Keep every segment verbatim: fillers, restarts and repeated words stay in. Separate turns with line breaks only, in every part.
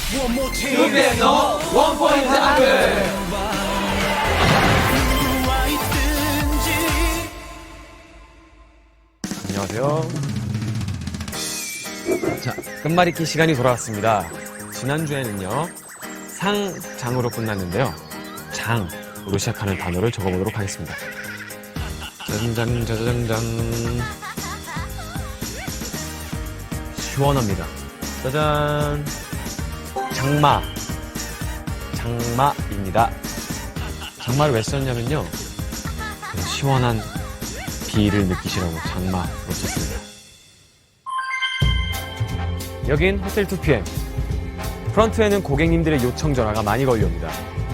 투비엠 너 원포인트 한글.
안녕하세요. 자, 끝말잇기 시간이 돌아왔습니다. 지난주에는요, 상, 장으로 끝났는데요. 장으로 시작하는 단어를 적어보도록 하겠습니다. 짜장장, 짜장장. 시원합니다. 짜잔. 장마. 장마입니다. 장마를 왜 썼냐면요. 그 시원한 비를 느끼시라고 장마로 썼습니다. 여긴 호텔 투피엠. 프런트에는 고객님들의 요청 전화가 많이 걸려옵니다.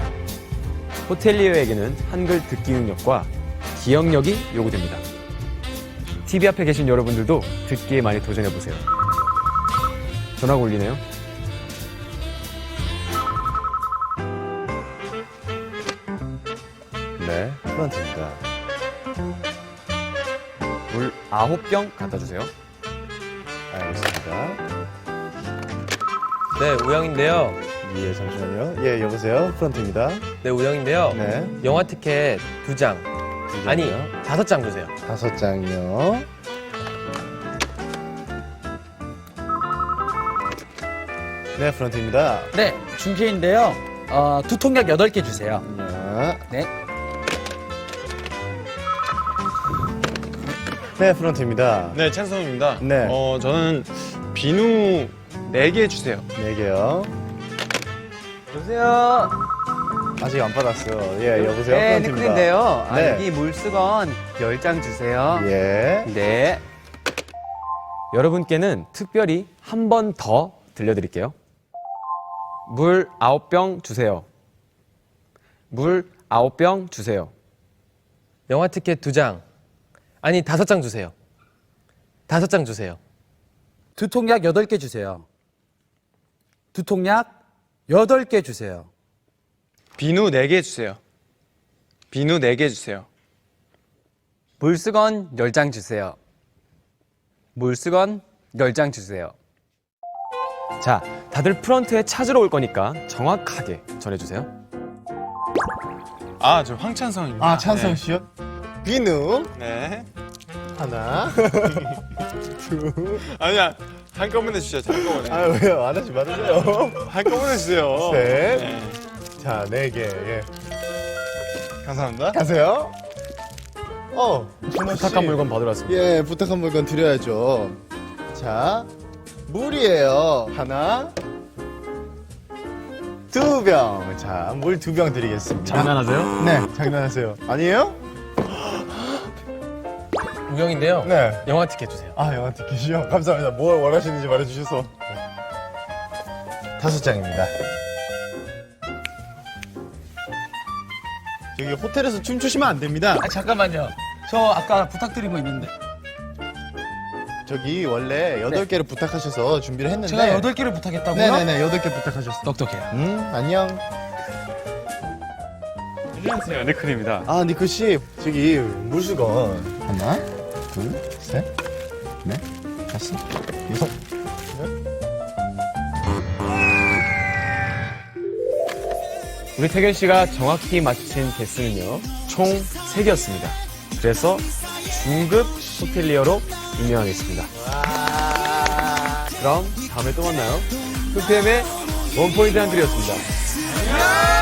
호텔리어에게는 한글 듣기 능력과 기억력이 요구됩니다. 티비 앞에 계신 여러분들도 듣기에 많이 도전해보세요. 전화가 울리네요. 네, 프런트입니다. 물 아홉 병 갖다 주세요.
알겠습니다.
네, 우영인데요.
예, 잠시만요. 예, 여보세요. 프런트입니다.
네, 우영인데요.
네.
영화 티켓 두 장.
두
아니,
장이요?
다섯 장 주세요.
다섯 장이요. 네, 프런트입니다.
네, 중계인데요. 어, 두 통약 여덟 개 주세요.
자.
네.
네, 프런트입니다.
네, 찬성입니다.
네.
어, 저는 비누 네 개 주세요.
네 개요.
여보세요.
아직 안 받았어요. 예, 여보세요.
네,
프런트입니다.
니클인데요. 아,
네.
여기 물수건 열 장 주세요.
예.
네.
여러분께는 특별히 한 번 더 들려드릴게요. 물 아홉 병 주세요. 물 아홉 병 주세요.
영화 티켓 두 장. 아니, 다섯 장 주세요. 다섯 장 주세요.
두 통약 여덟 개 주세요. 두 통약 여덟 개 주세요.
비누 네 개 주세요. 비누 네 개 주세요.
물수건 열 장 주세요. 물수건 열 장 주세요.
자, 다들 프런트에 찾으러 올 거니까 정확하게 전해주세요.
아, 저 황찬성입니다.
아, 찬성 씨요? 비누
네.
하나. 둘.
아니야, 한꺼번에 주세요. 한꺼번에.
아, 왜요? 안 하지 말으세요.
한꺼번에 주세요.
셋.
네.
자, 네 개. 예.
감사합니다.
가세요. 어, 준호 씨.
부탁한 물건 받으러 왔습니다.
예, 부탁한 물건 드려야죠. 자, 물이에요. 하나, 두 병. 자, 물 두 병 드리겠습니다.
장난하세요?
네, 장난하세요. 아니에요?
우영인데요.
네.
영화 티켓 주세요.
아, 영화 티켓이요? 감사합니다. 뭘 원하시는지 말해주셔서. 다섯 장입니다. 여기 호텔에서 춤추시면 안 됩니다.
아, 잠깐만요. 저 아까 부탁드린 거 있는데.
저기 원래 여덟 개를 부탁하셔서 준비를 했는데.
제가 여덟 개를 부탁했다고요?
네네네, 여덟 개 부탁하셨어요.
똑똑해요.
음, 안녕.
안녕하세요, 네클입니다.
아, 니크 씨, 저기 물수건 하나, 둘, 셋, 넷, 다섯, 여섯.
우리 태균 씨가 정확히 맞힌 개수는요, 총 세 개였습니다. 그래서 중급 호텔리어로 임명하겠습니다. 그럼 다음에 또 만나요. 투피엠의 원포인트 한글이었습니다.